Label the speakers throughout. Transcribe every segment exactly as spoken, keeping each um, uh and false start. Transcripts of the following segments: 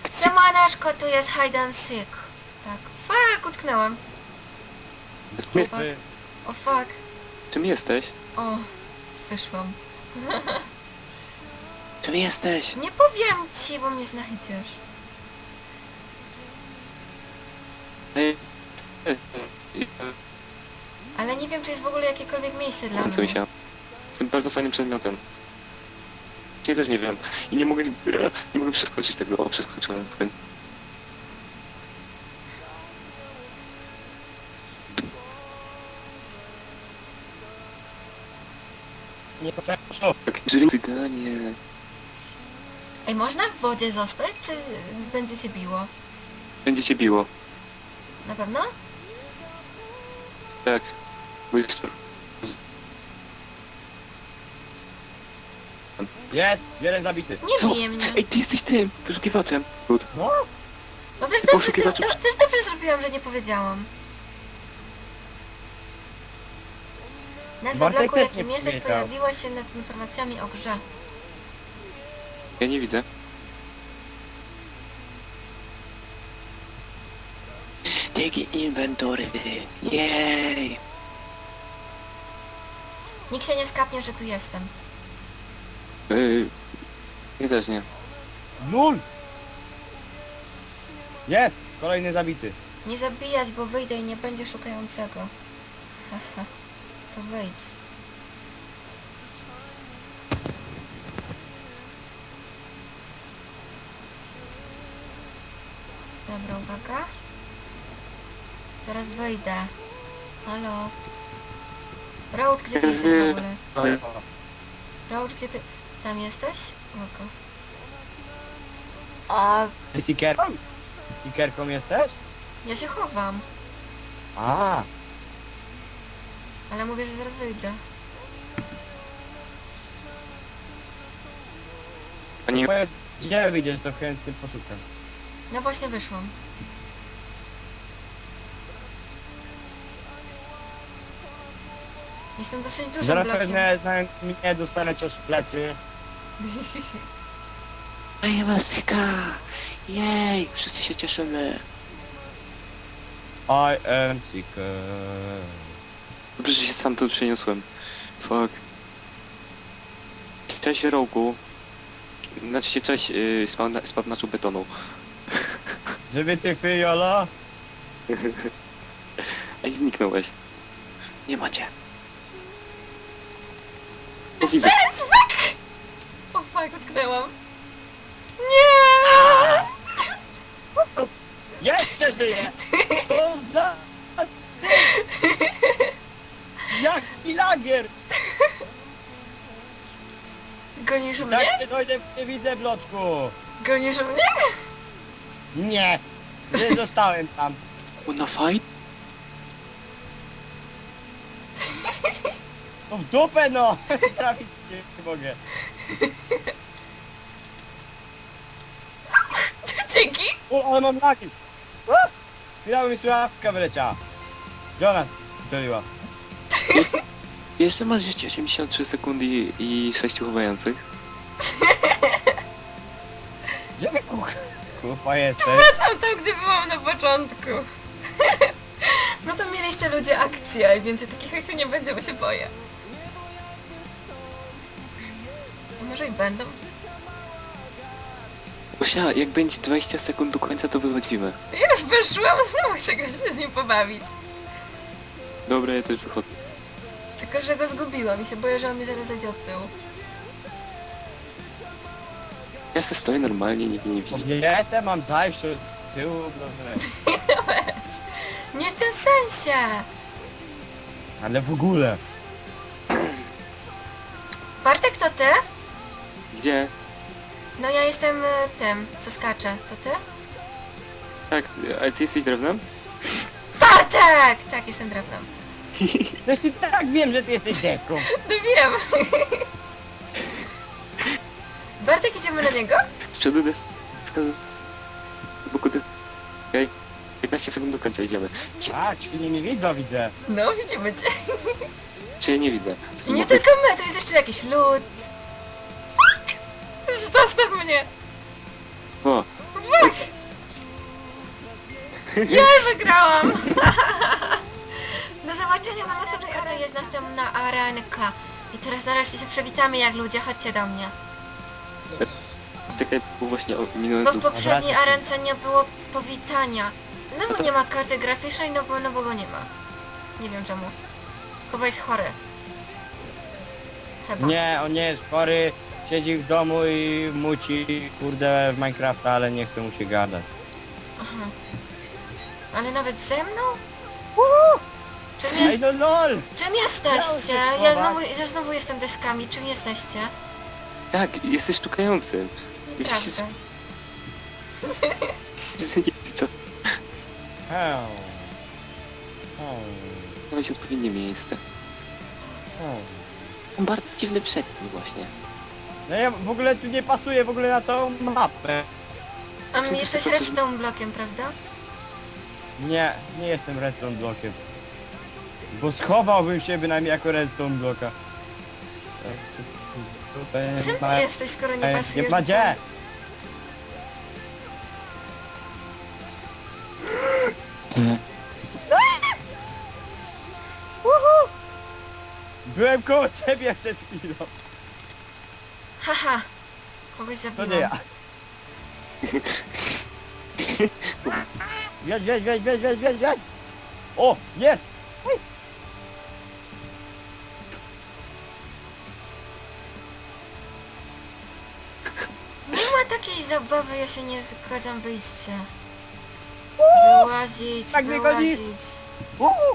Speaker 1: Siemaneczko, tu jest hide and seek. Tak. Fuck, utknęłam.
Speaker 2: My,
Speaker 1: Fuck. O fuck.
Speaker 2: czym jesteś?
Speaker 1: O, wyszłam.
Speaker 2: Czym jesteś?
Speaker 1: Nie powiem ci, bo mnie znajdziesz.
Speaker 2: Ej,
Speaker 1: Ale nie wiem, czy jest w ogóle jakiekolwiek miejsce dla
Speaker 2: co mi
Speaker 1: mnie.
Speaker 2: się. Jestem bardzo fajnym przedmiotem. Ja też nie wiem. I nie mogę, nie mogę przeskoczyć tego. O, przeskoczyłem.
Speaker 3: Nie potrafię.
Speaker 2: Tak, czyli cyganie.
Speaker 1: Ej, można w wodzie zostać, czy będzie cię biło?
Speaker 2: Będzie cię biło.
Speaker 1: Na pewno?
Speaker 2: Tak. Bo jest...
Speaker 3: Jest! Jeden zabity.
Speaker 1: Nie
Speaker 2: Co?
Speaker 1: bije mnie.
Speaker 2: Ej, ty jesteś tym, poszukiwaczem. Good.
Speaker 3: No?
Speaker 1: No też
Speaker 2: ty
Speaker 1: dobrze, ty,
Speaker 2: poszukiwaczem-
Speaker 1: to, też dobrze zrobiłam, że nie powiedziałam. Na
Speaker 3: Bartek
Speaker 1: zabloku,
Speaker 3: też
Speaker 1: jakim
Speaker 3: nie
Speaker 1: jesteś,
Speaker 3: powiedział.
Speaker 1: pojawiła się nad informacjami o grze.
Speaker 2: Ja nie widzę. Dzięki inwentory. Jej.
Speaker 1: Nikt się nie skapnie, że tu jestem.
Speaker 2: Yy, ja też nie.
Speaker 3: Nul! Jest! Kolejny zabity.
Speaker 1: Nie zabijać, bo wyjdę i nie będzie szukającego. Haha. To wyjdź. Dobra, uwaga. Zaraz wyjdę. Halo. Roach, gdzie ty jesteś w ogóle? Roach, gdzie ty... Tam jesteś? Oko. A
Speaker 3: Seekerką? Seekerką jesteś?
Speaker 1: ja się chowam.
Speaker 3: A,
Speaker 1: Ale mówię, że zaraz wyjdę.
Speaker 2: Pani...
Speaker 3: powiedz, gdzie wyjdziesz, to chętnie poszukam.
Speaker 1: No właśnie wyszłam. Jestem dosyć dużym
Speaker 3: Zaraz
Speaker 1: blokiem.
Speaker 3: pewnie znając mnie dostanę cios w plecy.
Speaker 2: Ej, Masika! Jej! Wszyscy się cieszymy.
Speaker 3: I am seeker.
Speaker 2: Dobrze, że się sam tu przeniosłem. Fuck. Cześć Rogu. Znaczy się cześć yy, spawna- spawnaczu betonu.
Speaker 3: Żeby ty fyjolo?
Speaker 2: Ej, zniknąłeś. Nie macie. O, widzę.
Speaker 1: Yes, fuck! O fuck, utknęłam. Nie!
Speaker 3: Jeszcze żyje! Co za... Jaki lagier!
Speaker 1: Gonisz
Speaker 3: Jak
Speaker 1: mnie?
Speaker 3: nie dojdę, nie widzę bloczku!
Speaker 1: Gonisz mnie?
Speaker 3: Nie! Nie zostałem tam.
Speaker 2: Wanna fight?
Speaker 3: No w dupę no! Trafić nie mogę.
Speaker 1: Dzięki!
Speaker 3: O, ale mam lagi! Chwila mi słuchawka wyleciała. Gdzie ona strzeliła?
Speaker 2: Jeszcze masz życie osiemdziesiąt trzy sekundy i sześć uchowających.
Speaker 3: Gdzie ty kuch... Kupa jesteś?
Speaker 1: Wracam tam, gdzie byłam na początku. No to mieliście ludzie akcję i więcej takich akcji nie będzie, bo się boję. A może i będą?
Speaker 2: Osia, jak będzie dwadzieścia sekund do końca, to wychodzimy.
Speaker 1: Już wyszłam, znowu chcę go się z nim pobawić.
Speaker 2: Dobra, ja też wychodzę.
Speaker 1: Tylko, że go zgubiłam i się boję, że on mi zaraz zejdzie od tyłu.
Speaker 2: Ja se stoję normalnie, nikt mnie nie widzi.
Speaker 3: Kobietę mam zajść od tyłu, dobrze.
Speaker 1: Nie w tym sensie!
Speaker 3: Ale w ogóle.
Speaker 1: Bartek, to ty?
Speaker 2: Gdzie?
Speaker 1: No ja jestem e, tym, co skacze. To ty?
Speaker 2: Tak, ale ty jesteś drewnem?
Speaker 1: Bartek! Tak, jestem drewnem.
Speaker 3: Też i tak wiem, że ty jesteś deską.
Speaker 1: No wiem. Bartek, idziemy na niego?
Speaker 2: Z przodu deska, z boku deska. Okej. piętnaście sekund do końca idziemy.
Speaker 3: A, świnie nie widzą, widzę.
Speaker 1: No, widzimy cię.
Speaker 2: Czy ja nie widzę?
Speaker 1: I nie tylko my, to jest jeszcze jakiś lód. Fuck! Zostaw mnie!
Speaker 2: O,
Speaker 1: Fuck! Jej, wygrałam! Do zobaczenia na następnej arenie. Jest następna arenka. I teraz nareszcie się przywitamy jak ludzie, chodźcie do mnie.
Speaker 2: Czekaj, bo właśnie o- minąłem
Speaker 1: Bo w
Speaker 2: tu.
Speaker 1: poprzedniej arence nie było powitania. No bo nie ma karty graficznej, no bo, no bo go nie ma. Nie wiem czemu. Chyba jest chory. Chyba.
Speaker 3: Nie, on nie jest chory. Siedzi w domu i muci, kurde, w Minecrafta, ale nie chce mu się gadać.
Speaker 1: Aha. Ale nawet ze mną? Czym,
Speaker 3: Ej,
Speaker 1: jest,
Speaker 3: no lol!
Speaker 1: czym jesteście?
Speaker 3: Miało się
Speaker 1: Ja
Speaker 3: chować.
Speaker 1: znowu, ja znowu jestem deskami. Czym jesteście?
Speaker 2: Tak, jesteś szukającym.
Speaker 1: Prawda.
Speaker 2: Co?
Speaker 3: Hę. Hę.
Speaker 2: Znaleźć odpowiednie miejsce.
Speaker 3: Hę.
Speaker 2: Mam bardzo dziwny przedni właśnie.
Speaker 3: No ja w ogóle tu nie pasuję w ogóle na całą mapę.
Speaker 1: A
Speaker 2: Czy to
Speaker 1: jesteś
Speaker 2: tylko-
Speaker 1: redstone blokiem, prawda?
Speaker 3: Nie, nie jestem redstone blokiem. Bo schowałbym się bynajmniej jako redstone bloka.
Speaker 1: Czym ty jesteś, skoro nie
Speaker 3: Ej,
Speaker 1: pasujesz?
Speaker 3: nie ma
Speaker 1: do
Speaker 3: gdzie!
Speaker 1: całej-
Speaker 3: Byłem koło ciebie przed chwilą.
Speaker 1: Haha. Kogoś
Speaker 3: To
Speaker 1: zabiłam.
Speaker 3: nie ja. Wiedź, wiedź, wiedź, wiedź, wiedź, wiedź, wiedź! O, jest! Jest!
Speaker 1: Nie ma takiej zabawy, ja się nie zgadzam, wyjście. Wyłazić,
Speaker 3: Tak mnie goni.
Speaker 1: wyłazić.
Speaker 3: Uhu!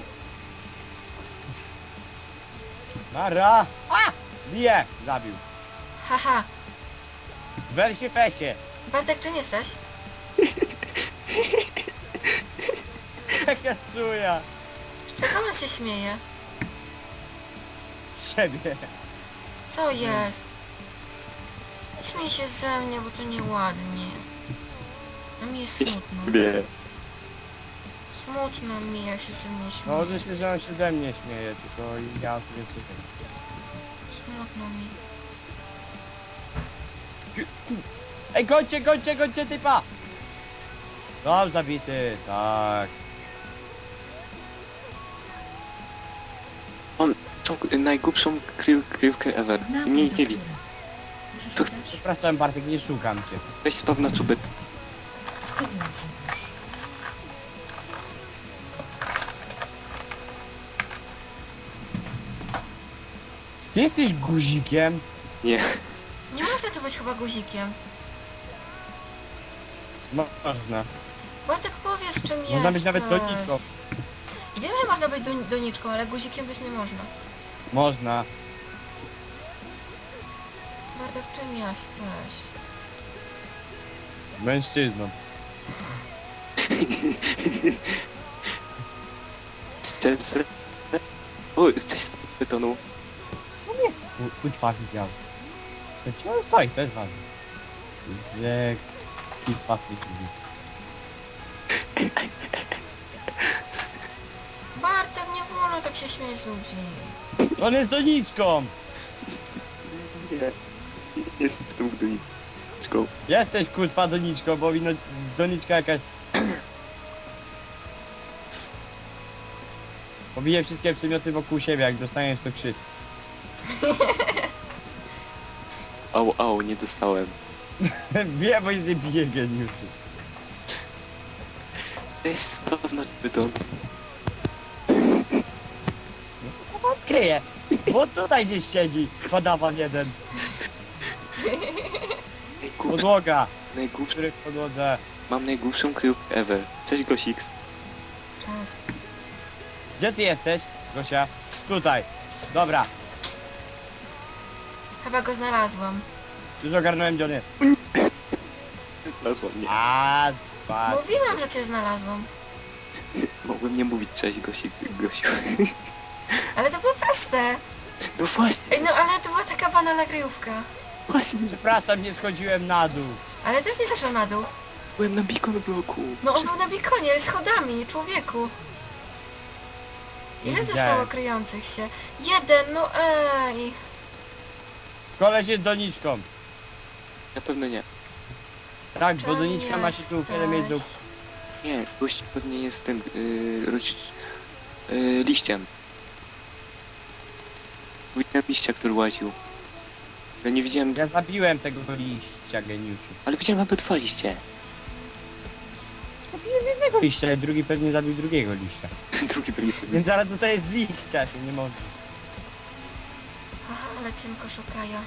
Speaker 3: Mara! A! Bije! Zabił.
Speaker 1: Haha.
Speaker 3: W Elsie Fesie.
Speaker 1: Bartek, czym jesteś?
Speaker 3: Jaka czuja.
Speaker 1: Z czego on się śmieje?
Speaker 3: Z ciebie.
Speaker 1: Co jest? Nie śmiej się ze mnie, bo to nieładnie. A mi jest smutno.
Speaker 2: Nie.
Speaker 1: Smutno mi, ja się ze mnie
Speaker 3: No
Speaker 1: śmieję.
Speaker 3: może się, że on się ze mnie śmieje, tylko ja tu nie słucham.
Speaker 1: Smutno mi.
Speaker 3: Ej, gońcie, gońcie, gońcie typa! Dom zabity, tak.
Speaker 2: Mam tą najgłupszą krył, kryjówkę ever. I mnie nie widzi. To
Speaker 3: Przepraszam Bartek, nie szukam cię.
Speaker 2: weź spaw na czubek.
Speaker 3: Ty jesteś guzikiem?
Speaker 2: Nie.
Speaker 1: Nie można to być chyba guzikiem.
Speaker 3: No, można.
Speaker 1: Bartek, powiedz czym jesteś.
Speaker 3: Można być nawet doniczką.
Speaker 1: Wiem, że można być don- doniczką, ale guzikiem być nie można.
Speaker 3: Można.
Speaker 1: Bartek, czym jesteś?
Speaker 3: Mężczyzną.
Speaker 2: Szczerze. O, cześć z betonu.
Speaker 3: Kutwa widział. To ci on stoi, to jest ważne. Że... Kutwa widzi.
Speaker 1: Bartek, nie wolno tak się śmiać z ludzi.
Speaker 3: On jest doniczką!
Speaker 2: Nie. Jestem gdyniczką.
Speaker 3: Jesteś kutwa doniczką, bo wino... doniczka jakaś... Pobiję wszystkie przedmioty wokół siebie, jak dostaniesz to krzyk.
Speaker 2: Au, au, nie dostałem.
Speaker 3: Wiem, bo jest bije geniuszy.
Speaker 2: Cześć spaw na beton.
Speaker 3: No to wam skryję. Bo tutaj gdzieś siedzi podawan jeden.
Speaker 2: Najgłupszy,
Speaker 3: Podłoga,
Speaker 2: najgłupszy.
Speaker 3: który w podłodze.
Speaker 2: Mam najgłupszą kryjówkę ever. Cześć Gosiks.
Speaker 1: Cześć.
Speaker 3: Gdzie ty jesteś, Gosia? Tutaj. Dobra,
Speaker 1: Chyba go znalazłam.
Speaker 3: już ogarnąłem gdzie on jest.
Speaker 2: Znalazła mnie.
Speaker 3: A, dwa.
Speaker 1: Mówiłam, że cię znalazłam.
Speaker 2: Mogłem nie mówić cześć Gosik, Gosiu.
Speaker 1: Ale to było proste.
Speaker 2: No właśnie,
Speaker 1: Ej, no ale to była taka banalna kryjówka.
Speaker 2: właśnie.
Speaker 3: Przepraszam, nie schodziłem na dół.
Speaker 1: Ale też nie zeszłam na dół.
Speaker 2: Byłem na beacon bloku.
Speaker 1: No on
Speaker 2: Wszystko-
Speaker 1: był na bikonie, schodami, człowieku.
Speaker 3: Nie
Speaker 1: Ile
Speaker 3: widziałem.
Speaker 1: zostało kryjących się? Jeden, no ej.
Speaker 3: Koleś jest doniczką.
Speaker 2: Na pewno nie.
Speaker 3: Tak, bo
Speaker 1: Czym
Speaker 3: doniczka ma się tu wiele miejsc do...
Speaker 1: jesteś?
Speaker 2: Nie, gość pewnie jest tym, yy, roś, yy, liściem. Widziałem liścia, który łaził. Ja nie widziałem,
Speaker 3: Ja zabiłem tego liścia, geniuszu.
Speaker 2: ale widziałem nawet dwa liście.
Speaker 3: Zabiłem jednego liścia, ale drugi pewnie zabił drugiego liścia.
Speaker 2: Drugi pewnie pewnie.
Speaker 3: Więc zaraz dostaję z liścia, się nie może.
Speaker 1: Aha, ale cienko szukają.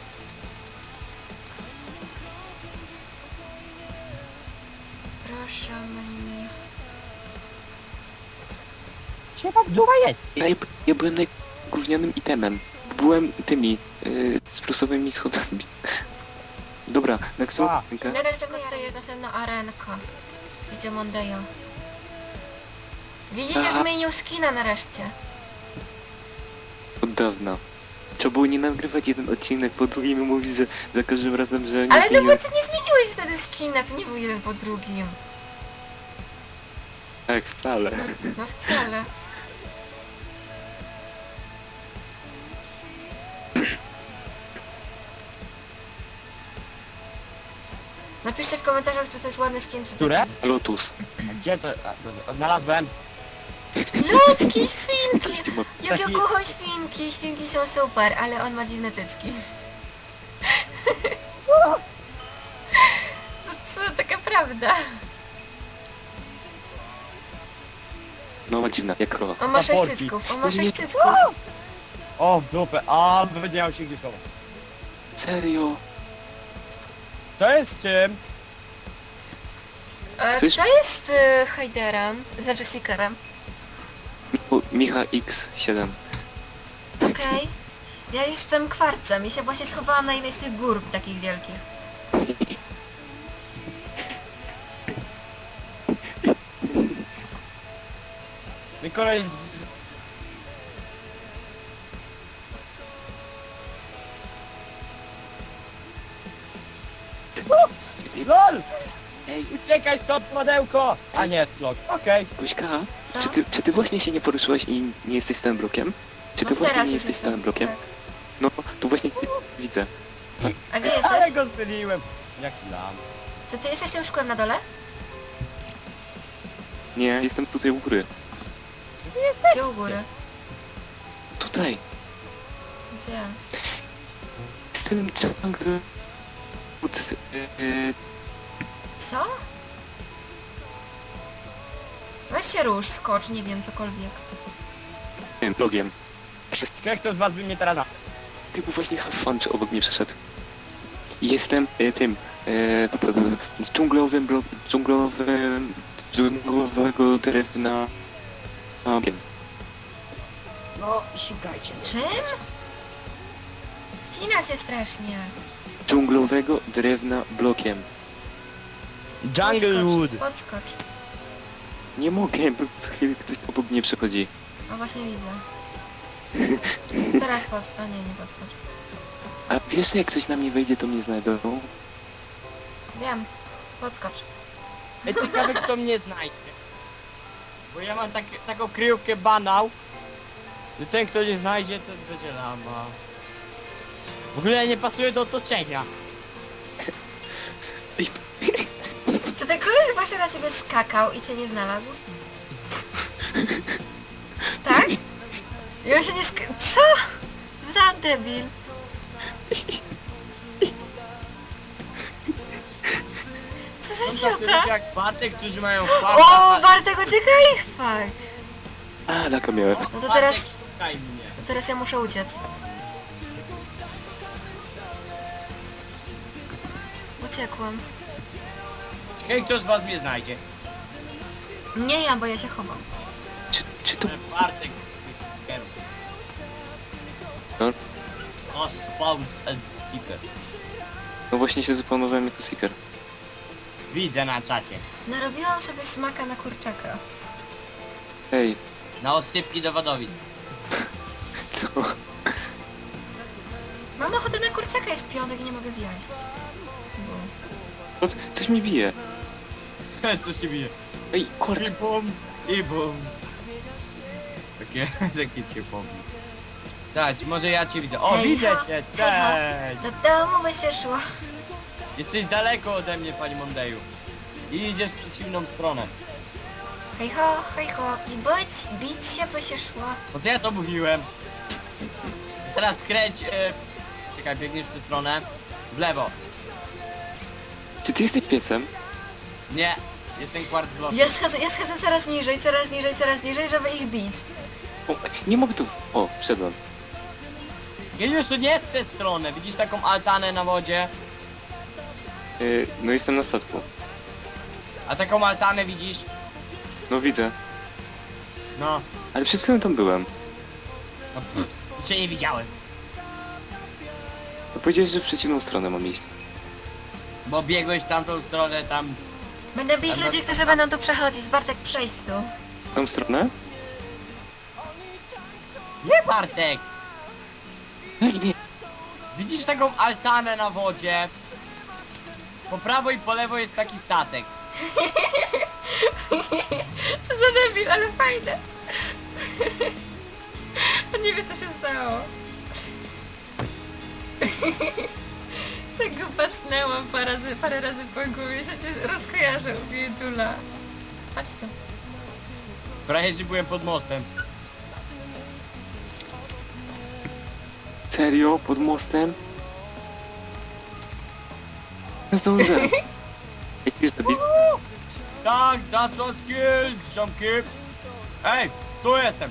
Speaker 1: Proszę mnie.
Speaker 3: Gdzie ta ducha jest?
Speaker 2: Ja, ja byłem najgównianym itemem. Byłem tymi, yy, z plusowymi schodami. Dobra, na którą
Speaker 3: A.
Speaker 2: rękę?
Speaker 1: Teraz tylko to jest następna arenka. Gdzie Mondejo. Widzicie,
Speaker 2: Aha.
Speaker 1: zmienił skina nareszcie.
Speaker 2: Od dawna. Trzeba było nie nagrywać jeden odcinek po drugim i mówić, że za każdym razem, że nie
Speaker 1: Ale no bo
Speaker 2: zmieniłem.
Speaker 1: ty nie zmieniłeś wtedy skina, to nie był jeden po drugim.
Speaker 2: Tak, wcale.
Speaker 1: No wcale. Napiszcie w komentarzach, czy to jest ładny skin, czy to...
Speaker 3: Które?
Speaker 2: Lotus.
Speaker 3: A gdzie to? A, dobra, odnalazłem.
Speaker 1: Ludzki, świnki!
Speaker 2: Goście ma-
Speaker 1: Jak ja
Speaker 3: Taki-
Speaker 1: kocham świnki, świnki są super, ale on ma dziwne cycki. No co, taka prawda.
Speaker 2: No ma dziwna, jak krowa.
Speaker 1: On ma sześć
Speaker 3: Zaporki.
Speaker 1: cycków, on ma
Speaker 2: Nie.
Speaker 1: sześć cycków.
Speaker 3: O, w dupę. A, będzie miał się gdzieś chować.
Speaker 2: Serio?
Speaker 3: To jest czym?
Speaker 1: E,
Speaker 2: Coś-
Speaker 1: Kto jest y, Heiderem? Znaczy Seekerem.
Speaker 2: O, Micha X siedem.
Speaker 1: Okej. Ja jestem kwarcem i się właśnie schowałam na jednej z tych gór takich wielkich.
Speaker 3: My koleś z... LOL!
Speaker 2: Ej,
Speaker 3: Uciekaj stąd, modełko! A nie, blok. Okej.
Speaker 2: Guśka,
Speaker 1: Co?
Speaker 2: czy ty, czy ty właśnie się nie poruszyłaś i nie jesteś stałym blokiem? Czy ty
Speaker 1: No
Speaker 2: właśnie
Speaker 1: teraz
Speaker 2: nie
Speaker 1: już
Speaker 2: jesteś
Speaker 1: jestem,
Speaker 2: stałym blokiem?
Speaker 1: tak.
Speaker 2: No, to właśnie ty widzę.
Speaker 1: A gdzie
Speaker 3: Ale
Speaker 1: jesteś?
Speaker 3: go zbyliłem. Jaki lam.
Speaker 1: Czy ty jesteś tym szkłem na dole?
Speaker 2: Nie, jestem tutaj u góry.
Speaker 1: Gdzie u góry?
Speaker 2: Tutaj.
Speaker 1: Gdzie?
Speaker 2: Z tym jungle... Pod, yy,
Speaker 1: Co? Weź się rusz, skocz, nie wiem, cokolwiek.
Speaker 2: yy, blogiem.
Speaker 3: Kto z was by mnie teraz...
Speaker 2: Typu właśnie have fun, czy obok mnie przeszedł. Jestem y, tym, y, to, to, to, z dżunglowym, blo, dżunglowym, dżunglowego drewna. A, wiem.
Speaker 3: No, szukajcie.
Speaker 1: Czym? Wcina cię strasznie.
Speaker 2: Dżunglowego drewna blokiem.
Speaker 3: Junglewood.
Speaker 1: Podskocz, podskocz.
Speaker 2: Nie mogę, bo co chwilę ktoś obok mnie przechodzi.
Speaker 1: O, właśnie widzę. Teraz podskocz. A nie, nie podskocz.
Speaker 2: A wiesz, że jak ktoś na mnie wejdzie, to mnie znajdą?
Speaker 1: Wiem. Podskocz.
Speaker 3: Ej, ciekawe kto mnie znajdzie. Bo ja mam tak, taką kryjówkę banał, że ten kto nie znajdzie, to będzie lama. W ogóle nie pasuje do otoczenia.
Speaker 1: Czy ten koleś właśnie na ciebie skakał i cię nie znalazł? Tak? I on się nie sk... Co? Za debil. Co za
Speaker 3: Są tacy
Speaker 1: idiota?
Speaker 3: ludzie jak Bartek, którzy mają
Speaker 1: O,
Speaker 3: farta.
Speaker 1: Bartek, uciekaj! Fuck.
Speaker 2: A, laka miałem.
Speaker 1: No to teraz...
Speaker 3: Bartek, szukaj mnie.
Speaker 1: To teraz ja muszę uciec. Uciekłam.
Speaker 3: Hej, kto z was mnie znajdzie?
Speaker 1: Nie ja, bo ja się chowam.
Speaker 2: Czy, czy to...
Speaker 3: Bartek z tych stickerów.
Speaker 2: No,
Speaker 3: Ospawn and sticker.
Speaker 2: no właśnie się zapanowałem jako seeker.
Speaker 3: Widzę na czacie.
Speaker 1: Narobiłam sobie smaka na kurczaka.
Speaker 2: Ej,
Speaker 3: Na ostypki dowodowi.
Speaker 2: co?
Speaker 1: Mam ochotę na kurczaka, jest piątek i nie mogę zjeść. Bo...
Speaker 2: O, coś mi bije.
Speaker 3: Coś ci bije.
Speaker 2: Ej, kwarc.
Speaker 3: I bum, i bum. Takie, takie cię pobił. Cześć, może ja cię widzę. O,
Speaker 1: Hej,
Speaker 3: widzę
Speaker 1: ha,
Speaker 3: cię,
Speaker 1: hej, ha.
Speaker 3: cześć!
Speaker 1: Do domu by się szło.
Speaker 3: Jesteś daleko ode mnie, pani Mondeju. I idziesz w przeciwną stronę.
Speaker 1: Hej ho, hej ho. I bić, bić się by się szło.
Speaker 3: Po co ja to mówiłem? Teraz skręć... E... Czekaj, biegniesz w tę stronę. W lewo.
Speaker 2: Czy ty jesteś piecem?
Speaker 3: Nie, jestem quartz block.
Speaker 1: Ja schodzę, ja schodzę coraz niżej, coraz niżej, coraz niżej, żeby ich bić.
Speaker 2: O, nie mogę tu... O, wszedłem.
Speaker 3: Geniuszu, nie w tę stronę. Widzisz taką altanę na wodzie?
Speaker 2: Yy, no jestem na statku.
Speaker 3: A taką altanę widzisz?
Speaker 2: No widzę.
Speaker 3: No.
Speaker 2: Ale przed chwilą tam byłem.
Speaker 3: No pff, cię nie widziałem.
Speaker 2: No powiedziałeś, że w przeciwną stronę mam iść.
Speaker 3: Bo biegłeś w tamtą stronę, tam...
Speaker 1: Będę bić ludzi, którzy będą tu przechodzić. Bartek, przejdź tu.
Speaker 2: W tą stronę?
Speaker 3: Nie, Bartek!
Speaker 2: Jak nie?
Speaker 3: Widzisz taką altanę na wodzie? Po prawo i po lewo jest taki statek.
Speaker 1: Co za debil, ale fajne. On nie wie, co się stało. Tak go pacnęłam parę razy, parę razy po głowie, się nie rozkojarzył, biedula. Chodź tu.
Speaker 3: Prawie, że byłem pod mostem.
Speaker 2: Serio? Pod mostem? Nie zdążę. Jak już zabił?
Speaker 3: Tak, that's a skill, ziomki. Ej, tu jestem.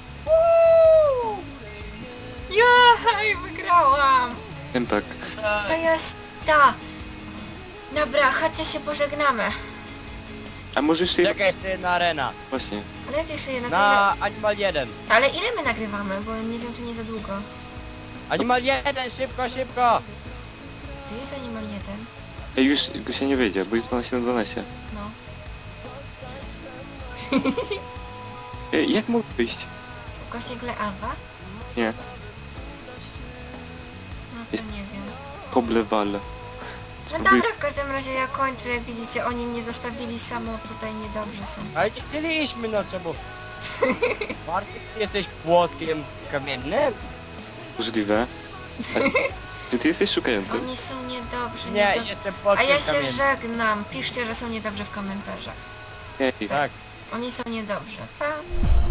Speaker 1: Jej, wygrałam!
Speaker 2: Tempak.
Speaker 1: To
Speaker 3: Ej,
Speaker 1: jest ta. Dobra, chodźcie się pożegnamy.
Speaker 2: A może jeszcze...
Speaker 3: czekaj, jeszcze jedna arena.
Speaker 2: Właśnie.
Speaker 1: Ale jak jeszcze jedna? To
Speaker 3: Na Animal jeden.
Speaker 1: ile... Ale ile my nagrywamy? Bo nie wiem, czy nie za długo.
Speaker 3: Animal jeden, szybko, szybko.
Speaker 1: To jest Animal jeden.
Speaker 2: Ej, już go się nie wyjdzie, bo jest dwanaście na dwanaście.
Speaker 1: No.
Speaker 2: Ej, jak mogę wyjść?
Speaker 1: Ukośnik Leawa?
Speaker 2: Nie.
Speaker 1: No to
Speaker 2: Jest-
Speaker 1: nie wiem.
Speaker 2: Koblewal.
Speaker 1: No
Speaker 2: Spróbuj...
Speaker 1: dobra, w każdym razie ja kończę. Jak widzicie, oni mnie zostawili samo tutaj, niedobrze są.
Speaker 3: Ale nie chcieliśmy, no czemu? Bartek, ty jesteś płotkiem kamiennym?
Speaker 2: Możliwe. A... Czy ty jesteś szukający?
Speaker 1: Oni są niedobrzy,
Speaker 3: Nie,
Speaker 1: niedobrzy.
Speaker 3: jestem
Speaker 1: A
Speaker 3: płotkiem
Speaker 1: ja się
Speaker 3: kamiennym.
Speaker 1: żegnam. Piszcie, że są niedobrzy w komentarzach.
Speaker 2: Ej.
Speaker 3: Tak.
Speaker 1: Oni są niedobrzy. Pa!